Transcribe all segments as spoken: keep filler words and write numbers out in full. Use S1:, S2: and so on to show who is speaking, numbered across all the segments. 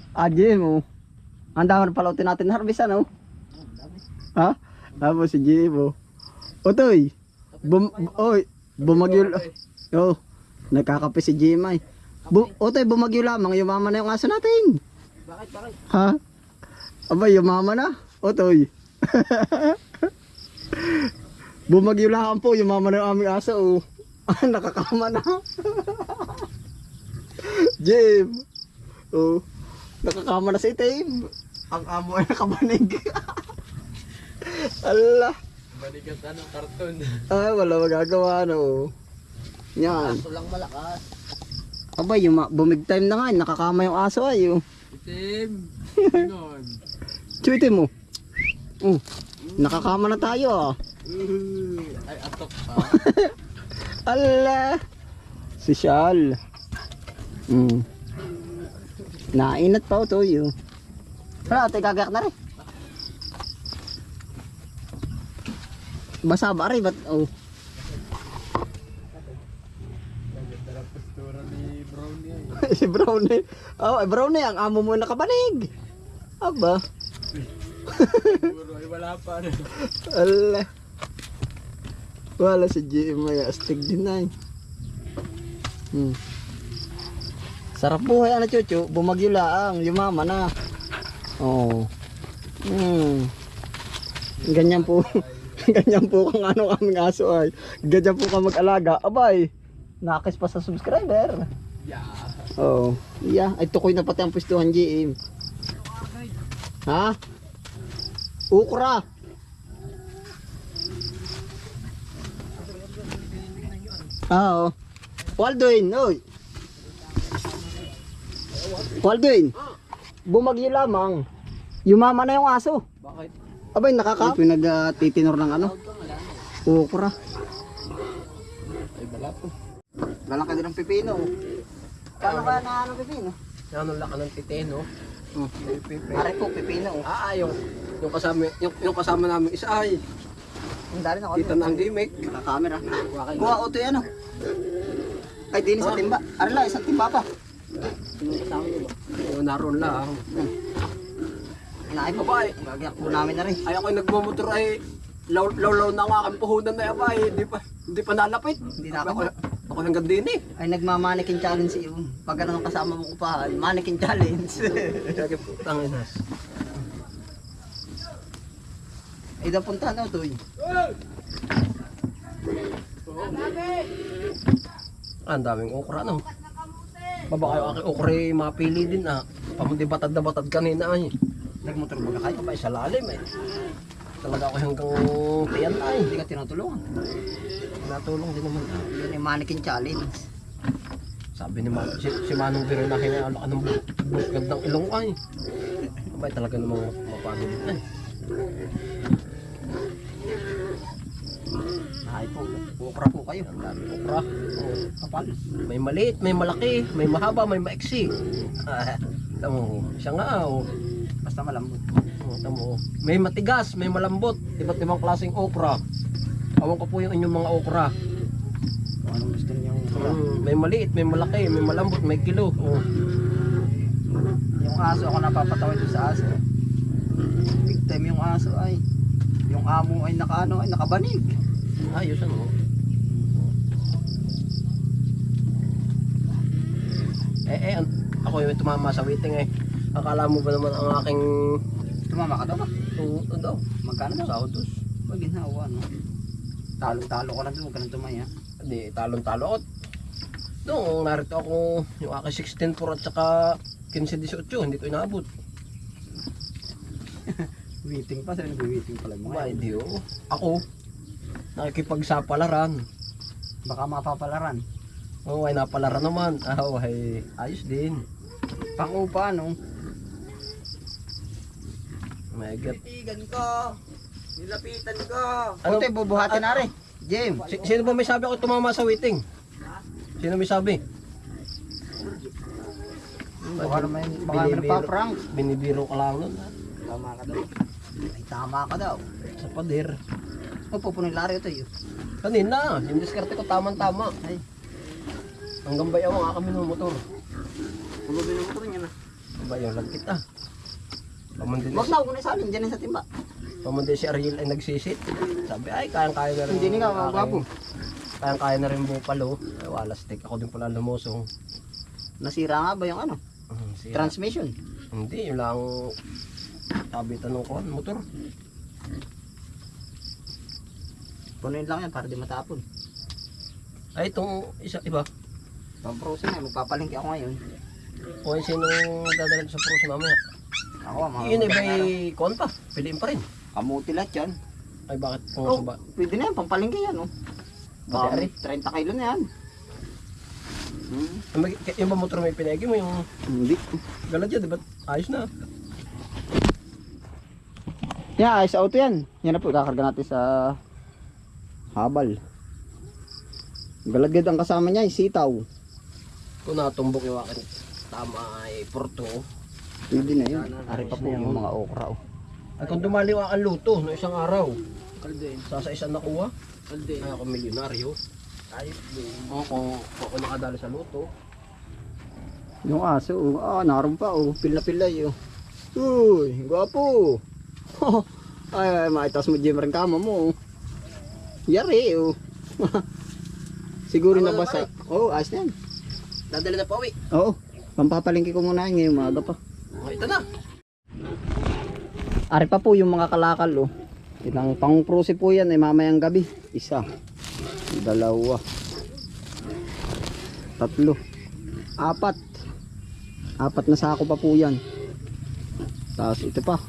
S1: Ah, Jim, oh. Ang dami na pala natin na harvest, ano? Ha? Tapos si Jim, oh. Otoy, bum, oy, bumagyo, oh, nagkakape si Jim ay. Bu, otoy, bumagyo lamang, yumama na yung aso natin.
S2: Bakit, bakit?
S1: Ha? Aba, yumama na, otoy. Bumagyo lang po, yumama na yung aming aso, oh. Nakakama na. Jim, oh, nakakama na si Tim. Ang amo ay nakabanig. Allah.
S2: Manigat ano, karton.
S1: Ay, wala magagawa, no. Yan.
S2: Aso lang malakas.
S1: Aba, yung bumig time na nga, nakakama yung aso ay, oh.
S2: Itim. Ganon.
S1: Chuitin mo. Oh, nakakama na tayo, ah.
S2: Uh, ay, atok pa.
S1: Allah. Si Shal. Mm. Nainat pa, oh, yun. Wala, ito gagayak na rin. Basa ba rin? Ba't, oh.
S2: Naganda postura ni Brownie.
S1: Si Brownie. Oh, Brownie, ang amo mo nakabanig. Aba.
S2: Siguro ay wala pa.
S1: Allah. Wala si G M ay astig din ay. Hmm. Sarap buhay ano chuchu, bumagyo laang, yumama na. Oh. Hmm. Ganyan po. Ganyan po kung ano kaming aso ay. Ganyan po ka mag-alaga. Abay. Nakis pa sa subscriber.
S2: Yeah.
S1: Oh. Yeah, ay tukoy na pati ang pwestuhan G M. Ha? Ukra. Ah, oh. Waldoin, oy. Waldoin. Bumagyo lamang. Yumama na yung aso.
S2: Bakit?
S1: Abay, nakaka pinagtitinor ng ano? Ukra.
S2: Ay, bala po.
S1: Lalaki din ng pipino. Paano ba na ano pipino?
S2: Ano laka ng titeno?
S1: Hmm.
S2: Pepe.
S1: Pare po, pipino.
S2: Ah, yung, yung kasama, yung, yung kasama namin isa ay
S1: Ang dali na ako.
S2: kita na ang gimmick.
S1: Naka-camera.
S2: Wakay
S1: Kuha auto yan oh. Ay, din sa timba. Ano lang, isang timba pa.
S2: Yung kasama niyo ba? Oo, naroon lang.
S1: Inaay pa ba eh. Gagyak po namin na rin.
S2: Ay ako nagmumotor ay law law law na nga ang puhunan na yaba eh. Hindi pa hindi pa nalapit.
S1: Hindi na
S2: Ako,
S1: ako.
S2: ako hanggang din eh.
S1: Ay, nagmamanikin challenge iyo. Pag ano kasama mong upahan, mannequin challenge.
S2: Kaya putang inas.
S1: Ay, dapunta na ito eh.
S2: Ah, ang daming okra no. Baba kayo aking okra eh, mapili din ah. Pamundi batad na batad kanina ay.
S1: Nagmotor ba kayo?
S2: Abay sa lalim eh. Talaga ako hanggang tiyan ay.
S1: Hindi ka tinutulungan.
S2: Natulong din naman ah.
S1: Yun yung mannequin challenge.
S2: Sabi ni Man, si, si Manong Biro na kinaalak ng gandang ilong ay. Abay talaga namang mapano din ay.
S1: Ay po, ukra po kayo.
S2: Ang dami okra. Oh,
S1: Kapal.
S2: may maliit, may malaki, may mahaba, may maiksi. Ah, tamo, siya nga oh.
S1: Basta malambot.
S2: Oh, tamo. May matigas, may malambot, iba't ibang klaseng okra. Awan ko po yung inyong mga okra.
S1: Kung anong gusto niyo ukra.
S2: Mm, may maliit, may malaki, may malambot, may kilo. Oh.
S1: Yung aso, ako napapatawa doon sa aso. Big time yung aso ay. Yung amo ay nakaano ay nakabanig.
S2: Ayos ano. Eh eh, an- ako yung tumama sa waiting eh. Akala mo ba naman ang aking
S1: Tumama ka daw ba?
S2: tuto daw?
S1: Magkano daw?
S2: Saudos.
S1: Pag ginawa no. Talo-talo ko lang doon, huwag ka nang tumaya.
S2: Hindi, talon-talo ako. Noong narito ako, yung aking sixteen four at saka fifteen eighteen, hindi ko inaabot.
S1: Waiting pa, sabi nag-waiting pala mo.
S2: Ba, hindi oh. Ako, nakikipagsapalaran.
S1: Baka mapapalaran.
S2: Oo, ay napalaran naman. Ah, oh, ay ayos din.
S1: Pangupa no.
S2: May get.
S1: Titigan ko. Nilapitan ko.
S2: Ano?
S1: Ano? Bubuhatin na rin. Jim.
S2: Si- sino ba may sabi ako tumama sa waiting? Sino may sabi?
S1: Baka naman, baka naman
S2: Binibiro-
S1: nagpa-prank.
S2: Binibiro ka lang nun. ah.
S1: Tama ka daw. Ay, tama ka daw.
S2: Sa pader.
S1: O, pupunin lari ito yun.
S2: Kanina, yung diskarte ko tamang-tama.
S1: Ay,
S2: Hanggang bayaw ang aking motor.
S1: pulubi ng motor niya na.
S2: Aba, yung lagkit ah. Pamundi
S1: Wag na, huwag na isalin dyan sa timba.
S2: pamundi si Ariel ay nagsisit. Sabi, ay, kayang-kaya na rin.
S1: Hindi nga,
S2: ang
S1: gwapo.
S2: aking- Kayang-kaya na rin bupalo. Ay, wala stick. Ako din pala lumusong.
S1: Nasira nga ba yung ano?
S2: Hmm, siya.
S1: Transmission.
S2: Hindi, yun lang kabitan ng kuhan, motor.
S1: Punuin lang yan para di matapon.
S2: Ay, itong isa, iba.
S1: Pamprosin na, magpapalingki ako ngayon.
S2: O yung sinong dadalhin sa pros mamaya.
S1: Ako, mga
S2: Yun ay may kuhan pa. Piliin pa rin.
S1: kamuti lahat yan.
S2: Ay, bakit kung
S1: Oh,
S2: ba?
S1: pwede na yan, pampalingki yan, oh.
S2: Pati
S1: Baka
S2: ari.
S1: thirty kilo na yan. Hmm.
S2: May- Yung ba motor may pinagi mo, yung
S1: Hindi.
S2: galad yan, di ba? Ayos na.
S1: Yan, ayos sa auto yan. Yan na po, kakarga natin sa habal. Galagad ang kasama niya, sitaw.
S2: Kung natumbok yung akin, tama ay porto.
S1: Pwede na yun. Ari pa po yung mga okra, oh.
S2: At kung dumali yung aking luto no isang araw, sa sa isang nakuha, ay ako milyonaryo. Ayos din. Oo, kung kung ako nakadali sa luto.
S1: Yung aso, oh. Ah, naroon pa, oh. Pila-pilay, oh. Uy, gwapo. ay, ay, maitas mo, Jim, rin kama mo, oh. Yari, oh. Siguro
S2: Tama
S1: na
S2: na,
S1: basa. Oh, ayos na yan.
S2: Dadali na pa uwi.
S1: Oo. Pampapalingki ko muna yun ngayong umaga pa.
S2: Oh, ito na.
S1: Ari pa po yung mga kalakal, oh. Ilang pang-prose po yan ay mamayang gabi. Isa. Dalawa. Tatlo. Apat. Apat na sako pa po yan. Tapos ito pa.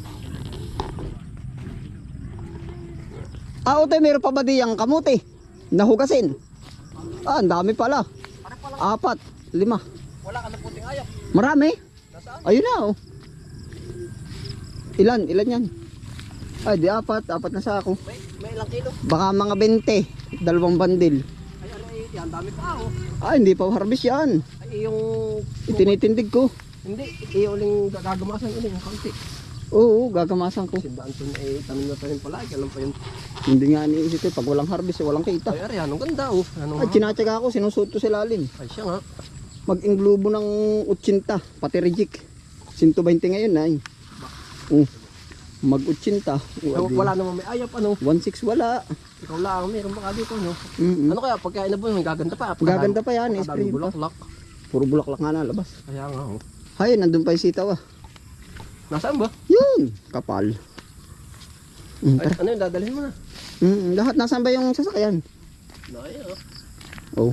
S1: Ah, ote, meron pa ba diyang kamuti? Nahugasin. Ah, ang dami pala. Apat. Lima.
S2: Wala ka na puting ayok.
S1: Marami.
S2: Nasaan?
S1: Ayun na, oh. Ilan? Ilan yan? Ay, di apat. Apat na sako.
S2: May, may ilang kilo.
S1: Baka mga twenty. Dalawang bandil.
S2: Ay, ano eh, yan, dami pa oh.
S1: Ah, hindi pa harvest yan.
S2: Ay, yung...
S1: Itinitindig ko.
S2: Hindi, iuling gagamasan ulit yung kaunti.
S1: Oo, gagamasan ko.
S2: Si Danton eh, tanim na tanim pala. Kailan pa yun?
S1: Hindi nga iniisip ko. Pag walang harvest, eh, walang kita.
S2: Ay, ari, anong ganda oh. Anong...
S1: Ay, tinatsaga ako. Sinusuot ko sa lalim.
S2: Ay, siya nga.
S1: Mag-inglobo ng eighty. Pati reject. one twenty ngayon na. Oh. Mag-eighty.
S2: So, wala naman may ayap, ano?
S1: one six wala.
S2: Ikaw lang, meron baka dito, no?
S1: Mm-mm.
S2: Ano kaya, pagka inabon, gaganda pa.
S1: Gaganda pa yan.
S2: Pagkadami
S1: Spray pa.
S2: bulaklak.
S1: Puro bulaklak nga na labas.
S2: Kaya nga, oh.
S1: Hay, nandun pa yung sitaw, ah.
S2: Nasaan ba?
S1: Yun. Kapal. Mm,
S2: Ay,
S1: tara.
S2: ano yun, dadalhin mo na.
S1: Mm, lahat nasaan ba yung sasakyan?
S2: Nakaya, oh.
S1: Oh,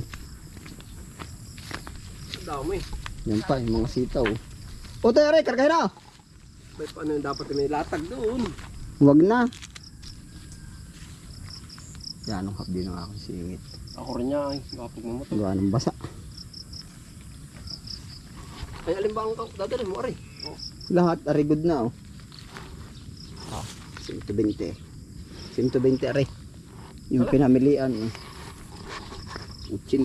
S2: Ang dami.
S1: yan pa yung mga sitaw. O tayo rin, kargahin na.
S2: May paano yung dapat may latag doon.
S1: Huwag na. Yan ang hapdi ng aking singit.
S2: Ako rin niya, ay, kapag mo to.
S1: Gawa ng basa.
S2: Ay, alin ba ang dadalhin mo, ari? Oh.
S1: Lahat, ari good na, oh. Ah, one twenty. one twenty, ari. Yung
S2: Wala.
S1: pinamilian, eh. eighty.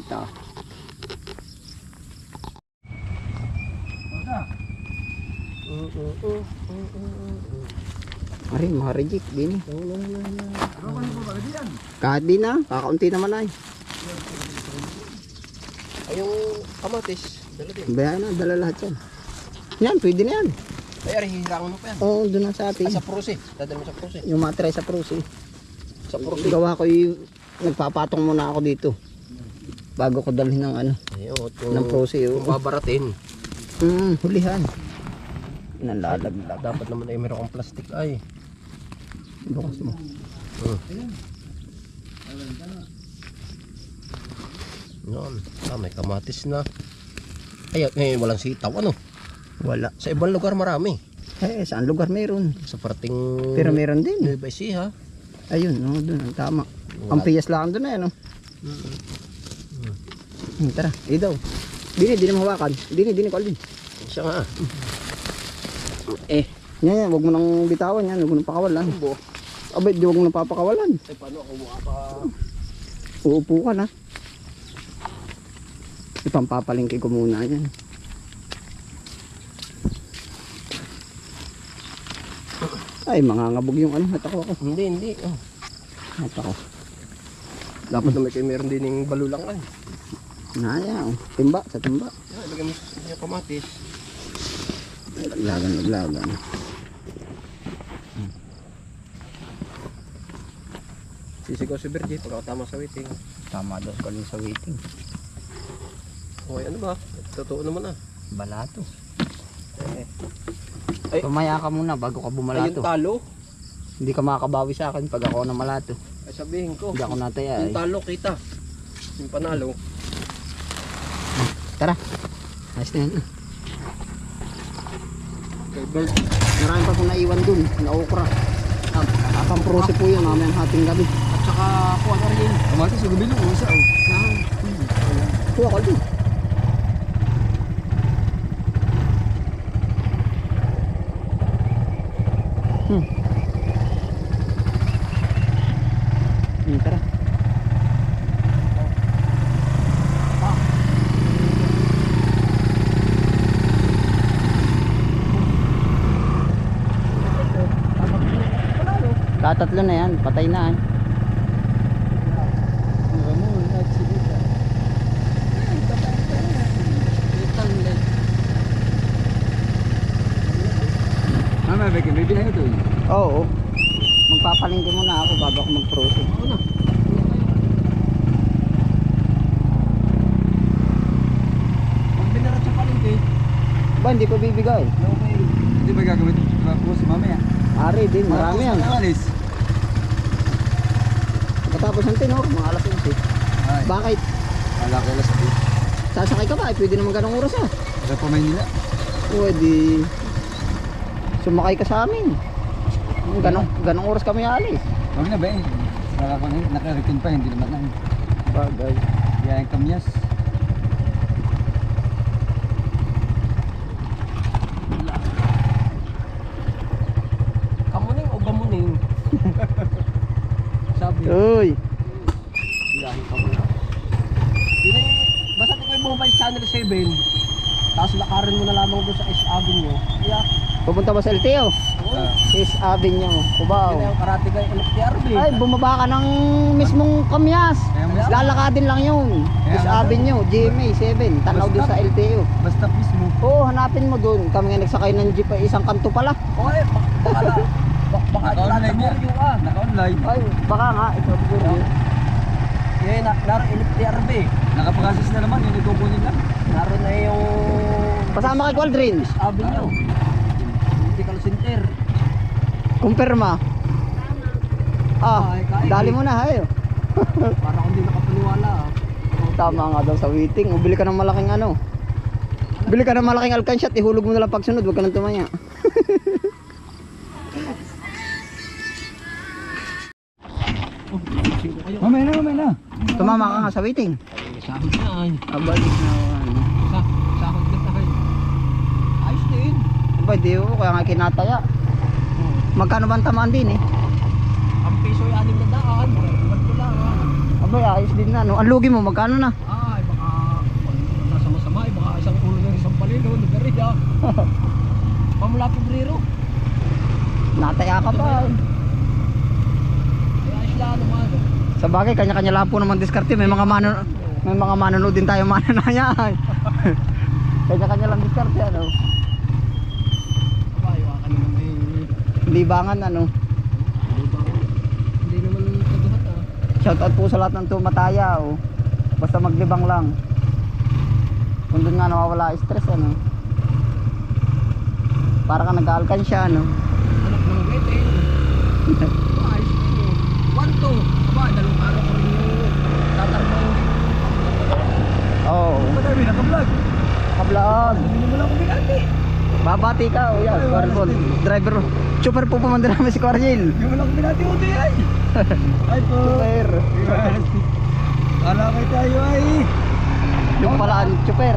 S2: Uh, uh, uh, uh, uh, uh.
S1: Ari, mga reject, din eh.
S2: Ano na yan?
S1: Kahit di na, kakaunti naman ay.
S2: Ay, yung kamatis. Dala din.
S1: Bayan na, dala lahat yan. Yan, pwede na yan.
S2: Ay, ari, hihirangan mo pa yan.
S1: Oo, doon na sa
S2: Ay,
S1: atin.
S2: sa prose. Dadalhin mo sa prose.
S1: Yung matry sa prose.
S2: Sa prose.
S1: Gawa ko yung, nagpapatong muna ako dito. Bago ko dalhin ng ano,
S2: Ay, oh, kung,
S1: ng prose.
S2: kung
S1: Oh.
S2: babaratin.
S1: Mm, hulihan. Nalalaglag.
S2: Dapat naman ay meron kang plastic ay.
S1: Bukas mo.
S2: Hmm. Yan. Ah, may kamatis na. Ay, eh, walang sitaw. Ano?
S1: Wala.
S2: Sa ibang lugar marami.
S1: Eh, saan lugar meron?
S2: Sa parting...
S1: Pero meron din.
S2: Nueva Ecija.
S1: Ayun, no, doon, ang tama.
S2: Wala.
S1: Ang piyas lang doon na yan, no?
S2: Mm.
S1: Hmm, tara, eh daw. Dini, dini mahawakan. Dini, dini ko alin.
S2: Siya nga.
S1: Eh. Yan, yan, huwag mo nang bitawan yan. Huwag mo nang pakawalan.
S2: Bo.
S1: Abay, di huwag mo nang papakawalan.
S2: Ay, paano ako mukha pa...
S1: Uupo ka na. Ipampapalingki ko muna yan. Ay, mangangabog yung ano, natako ako.
S2: Hindi, hindi. Oh.
S1: Natako.
S2: Dapat na may kayo meron din yung balulang ay.
S1: Naya, oh. Timba, sa timba.
S2: Yan, lagyan mo sa yung kamatis.
S1: Lagan, lagan.
S2: Sisigaw si Virgie pagkatama sa waiting.
S1: Tama daw ko sa waiting.
S2: Okay, ano ba? Totoo naman ah.
S1: Balato.
S2: Eh. Ay,
S1: Tumaya ka muna bago ka
S2: ayun
S1: bumalato.
S2: talo.
S1: Hindi ka makakabawi sa akin pag ako na malato.
S2: Ay sabihin ko.
S1: Hindi ako nataya
S2: Yung
S1: eh.
S2: talo kita. Yung panalo.
S1: Tara. Ayos na yan.
S2: Kay Bert.
S1: Marami pa kong naiwan dun. Naukra. Ah, apang prose po yun. Mamayang hating gabi.
S2: At saka kuha ka rin.
S3: Kamatis sa gabi nung isa oh.
S1: Kuha ka dun. Hmm. Hmm, tara. Tatatlo na yan, patay na eh.
S3: Mama, may bibili na ito eh.
S1: Oo. Magpapalingki muna ako bago ako mag-proceed.
S2: Pag binarat sa palengke.
S1: Ba, hindi ko bibigay.
S2: Okay.
S3: Hindi ba gagamit ko si mamaya?
S1: Ari din, marami yan.
S3: Alis.
S1: Katapos ng tenor, mga alas onse.
S3: Ay,
S1: Bakit?
S3: wala ko alas sabi.
S1: Sasakay ka ba? Eh, pwede naman ganong oras ah.
S3: Sa pa Maynila.
S1: Pwede. Sumakay ka sa amin. Ganong, ganong oras kami alis.
S3: Huwag na ba eh. Wala ko na eh. Naka-retain pa, hindi naman na eh.
S1: Bagay.
S3: Kaya yung kamyas.
S2: Kamuning o gamuning? Sabi.
S1: Uy.
S2: Biyahe ka muna. Yun eh, basta ikaw yung bumabay sa Channel seven, tapos lakarin mo na lamang doon sa S Avenue. Yeah.
S1: Pupunta ba sa L T O?
S3: Ah.
S1: Is Avenue, Cubao.
S2: Yun na yung karate guy L T R B.
S1: Ay, bumaba ka ng mismong kamyas.
S3: Kaya mas-
S1: Lalakadin lang yun.
S3: Kaya
S1: Is
S3: nga
S1: Avenue, G M A seven. Tanaw doon sa L T O.
S3: Basta mismo.
S1: Oo, hanapin mo doon. Kami nga nagsakay ng jeep ay isang kanto pala.
S2: Okay, bak- baka na. Bak- Baka
S3: Naka-online
S2: nasa
S3: yan.
S2: Boryo ah.
S3: Naka-online.
S1: Ay, baka nga. Ito siguro yun.
S2: Yan, na, naroon L T R B.
S3: Nakapagasas na naman. Yun ikukunin lang.
S2: Naroon na yung
S1: Pasama kay Qualdrin.
S2: S Avenue. Medical Center.
S1: Kumpirma. Ah,
S2: Ay, kain.
S1: dali mo na, hayo.
S2: Para kung di nakapaniwala ah.
S1: Tama nga daw sa waiting. O, bili ka ng malaking ano. Bili ka ng malaking alkansyat. Ihulog mo na lang pagsunod. Huwag ka nang tumaya.
S3: Mamaya na, mamaya na.
S1: Tumama ka nga sa waiting.
S2: Sahod na ay.
S1: Abalik na ano.
S2: Sa, sahod na tayo. Ayos din.
S1: Aba, di ko. Kaya nga kinataya. Magkano ba ang tamaan din eh?
S2: Ang piso ay anim na daan. Ba't ko lang ah.
S1: Aba, ayos din na. No? Ang lugi mo, magkano na?
S2: Ay, baka pag nasa masama, ay baka isang ulo ng isang palilo, nagari ah. Pamula Pebrero.
S1: Nataya ka pa. eh.
S2: Kaya ayos lang naman.
S1: Sa bagay, kanya-kanya lang po naman diskarte. May mga manon may mga manonood din tayo mananaya. Kanya-kanya lang diskarte ano.
S2: Bayo ka naman may
S1: Libangan ano.
S2: hindi ba hindi naman kaduhat ah.
S1: Shoutout po sa lahat ng tumataya oh. Basta maglibang lang. Kung doon nga nawawala stress ano. Para ka nag-aalkansya ano.
S2: Anak ng wedding. Ba, ayos din eh. One, two. Aba, dalawang araw ko rin yung tatarbaho.
S1: Oo. Oh,
S3: Madami, naka-vlog.
S1: kablog.
S2: Hindi mo lang ako binati.
S1: Babati ka oh yan. Cornball. Driver. Super po pumunta namin si Cornel.
S3: Hindi mo lang binati ko ay. Ay po.
S1: Super.
S3: Kala kayo tayo ay.
S1: Yung pala ang super.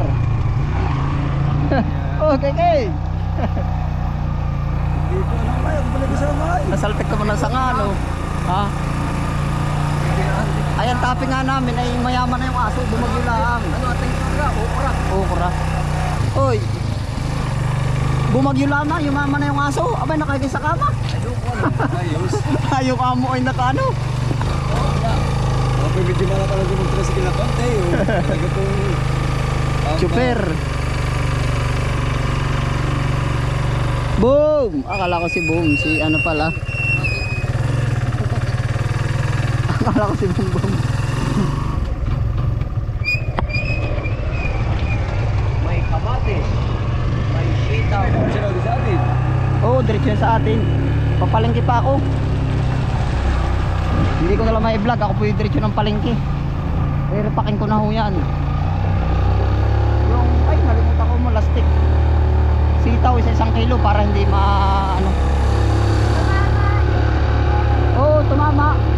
S1: Okay, okay.
S3: Dito lang kayo, kung pala kasama ay.
S1: Nasaltek naman ng sanga no. Ha? Ayan, topic nga namin ay mayaman na yung aso. Bumagyo lang.
S2: Ano ating ora? Okra.
S1: Okra. Oy. Bumagyo lang na, yumaman na yung aso. Abay, nakagay sa kama.
S2: Ayoko ano.
S3: Ayos.
S1: Yung amo ay nakaano.
S3: Okay, medyo na lang talaga ng tricycle na konti. oh. Talaga po.
S1: Super. Boom! Akala ko si Boom, si ano pala. Akala ko si Boom Boom.
S2: May kamatis. May sitaw.
S3: Sino di sa atin?
S1: Oo, diretso yan sa atin. Papalengke pa ako. Hindi ko na lang ma-vlog, ako po yung diretso ng palengke. Pero pakin ko na ho yan. Yung, ay nalimutan ko mo, lastik. Sitaw isa isang kilo para hindi ma ano. Oo, tumama.